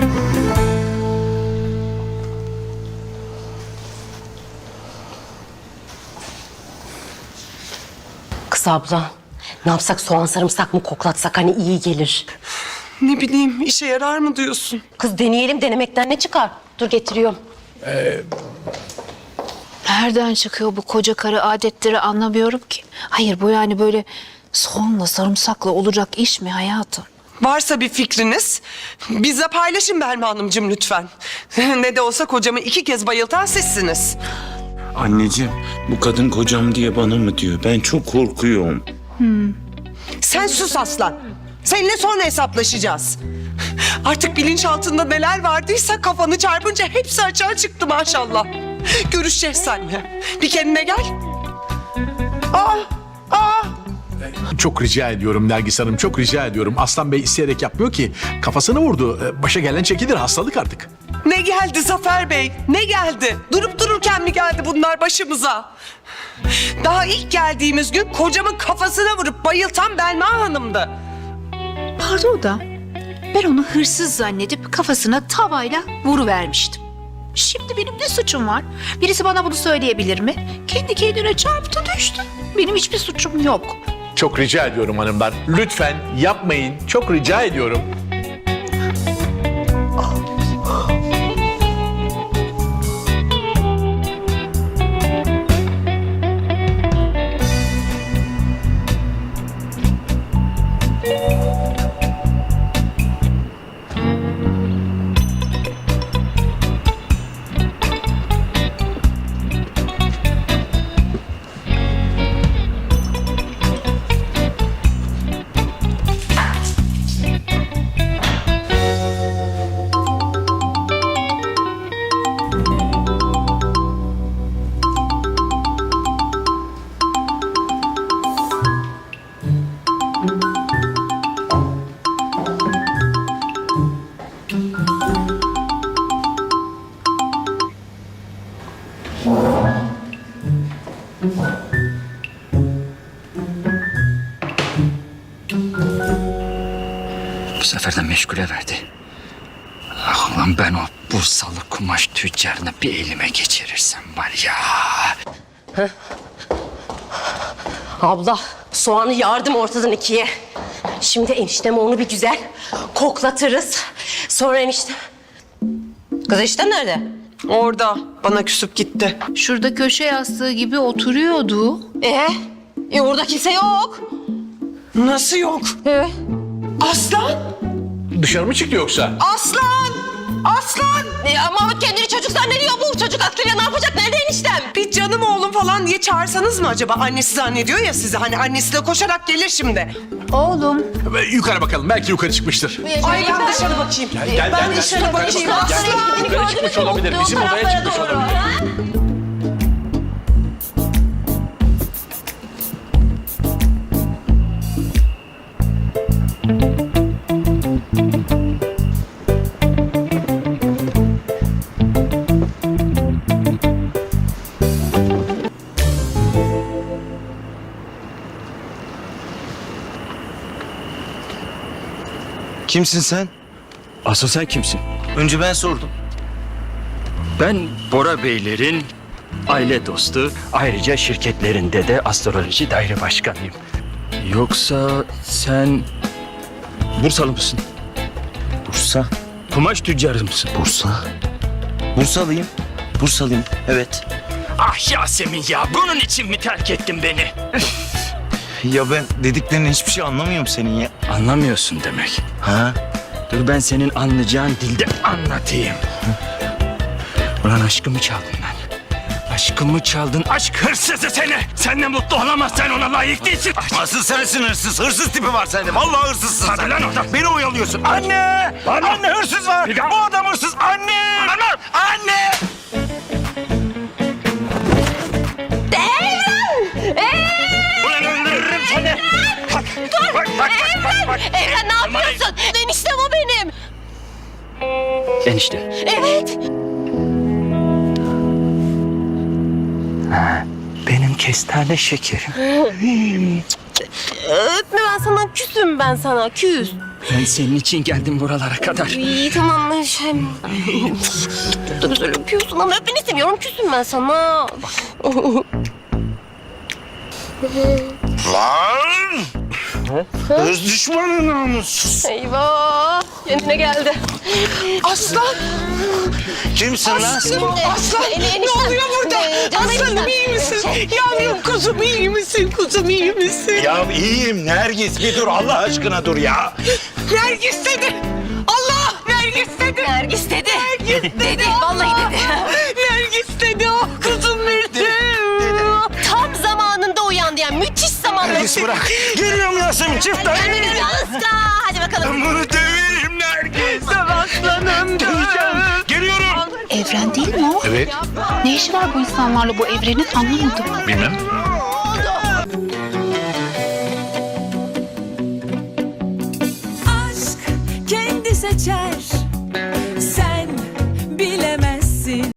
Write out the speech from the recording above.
Kız abla, ne yapsak, soğan sarımsak mı koklatsak, hani iyi gelir. Ne bileyim, işe yarar mı diyorsun? Kız deneyelim, denemekten ne çıkar? Dur getiriyorum. Nereden çıkıyor bu koca karı adetleri anlamıyorum ki. Hayır bu yani böyle soğanla sarımsakla olacak iş mi hayatım? Varsa bir fikriniz, bizle paylaşın Belma Hanımcığım lütfen. Ne de olsa kocamı 2 kez bayıltan sizsiniz. Anneciğim, bu kadın kocam diye bana mı diyor? Ben çok korkuyorum. Sen sus aslan. Seninle sonra hesaplaşacağız. Artık bilinçaltında neler vardıysa kafanı çarpınca hepsi açığa çıktı maşallah. Görüşeceğiz seninle. Bir kendine gel. Çok rica ediyorum Nergis Hanım, çok rica ediyorum. Aslan Bey isteyerek yapmıyor ki. Kafasını vurdu. Başa gelen çekilir, hastalık artık. Ne geldi Zafer Bey? Ne geldi? Durup dururken mi geldi bunlar başımıza? Daha ilk geldiğimiz gün kocamın kafasına vurup bayıltan Belma Hanım'dı. Pardon da ben onu hırsız zannedip kafasına tavayla vuruvermiştim. Şimdi benim ne suçum var? Birisi bana bunu söyleyebilir mi? Kendi kendine çarptı düştü. Benim hiçbir suçum yok. Çok rica ediyorum hanımlar. Lütfen yapmayın. Çok rica ediyorum. Bu sefer de meşgule verdi. Ah ulan ben o Bursalı kumaş tüccarını bir elime geçirirsem var ya. Abla, soğanı yardım ortadan ikiye. Şimdi enişteme onu bir güzel koklatırız. Sonra enişte... Kız eniştem nerede? Orada bana küsüp gitti. Şurada köşe yastığı gibi oturuyordu. Orada kimse yok. Nasıl yok? Aslan! Dışarı mı çıktı yoksa? Aslan! Aslan! Mahmut kendini çocuk zannediyor, bu çocuk aklıyla ne yapacak? Nerede eniştem? Bir canım oğlum falan diye çağırsanız mı acaba? Annesi zannediyor ya sizi. Hani annesi de koşarak gelir şimdi. Oğlum. Yukarı bakalım. Belki yukarı çıkmıştır. Ay ben dışarı bakayım. Ben dışarı bakayım. Aslan! Yukarı çıkmış olabilir. Bizim odaya çıkmış olabilir. Kimsin sen? Asıl sen kimsin? Önce ben sordum. Ben Bora Beylerin aile dostu, ayrıca şirketlerinde de astroloji daire başkanıyım. Yoksa sen Bursalı mısın? Bursa. Kumaş tüccarı mısın? Bursa. Bursalıyım. Bursalıyım. Evet. Ah Yasemin ya, bunun için mi terk ettin beni? Ya ben dediklerinin hiçbir şey anlamıyorum senin ya. Anlamıyorsun demek. Ha? Dur ben senin anlayacağın dilde anlatayım. Ulan aşkımı çaldın lan. Aşkımı çaldın, aşk hırsızı seni. Seninle mutlu olamazsan ona layık değilsin. Asıl sensin hırsız. Hırsız tipi var sende. Vallahi hırsızsın Hadi sen. lan oradan. Beni oyalıyorsun. Anne! Bağırma. Anne hırsız var. Bir daha. Bu adam hırsız. Anne! Anne! Ulan öldürürüm seni. Bak, bak. Evren ne yapıyorsun? Eniştem o benim. Enişte. Evet. Benim kestane şekerim. Öpme, ben sana küsüm, ben sana küs. Ben senin için geldim buralara kadar. İyi tamam Neşem. Çok da güzel öpüyorsun ama öpmeni istemiyorum. Küsüm ben sana. Lan! Öz düşmanı namussuz. Eyvah. Kendine geldi. Aslan! Kimsin lan? Aslan! Ne oluyor burada? Aslanım iyi misin? Yavrum kuzum iyi misin? Kuzum iyi misin? Ya iyiyim Nergis, bir dur Allah aşkına dur ya. Nergis dedi. Allah! Nergis dedi. Nergis dedi. Dedi. Vallahi dedi. Nergis dedi. Oh kuzum benim. Tam zamanında uyandı yani. Müthiş zamanda. Nergis bırak. Geliyorum Yasemin, çift tane. Asla. Hadi bakalım. Ben bunu döveyim Nergis. Aslanım. Geliyorum. Evren değil mi o? Evet. Ne işi var bu insanlarla bu evrenin anlamadım. Bilmem. aşk kendi seçer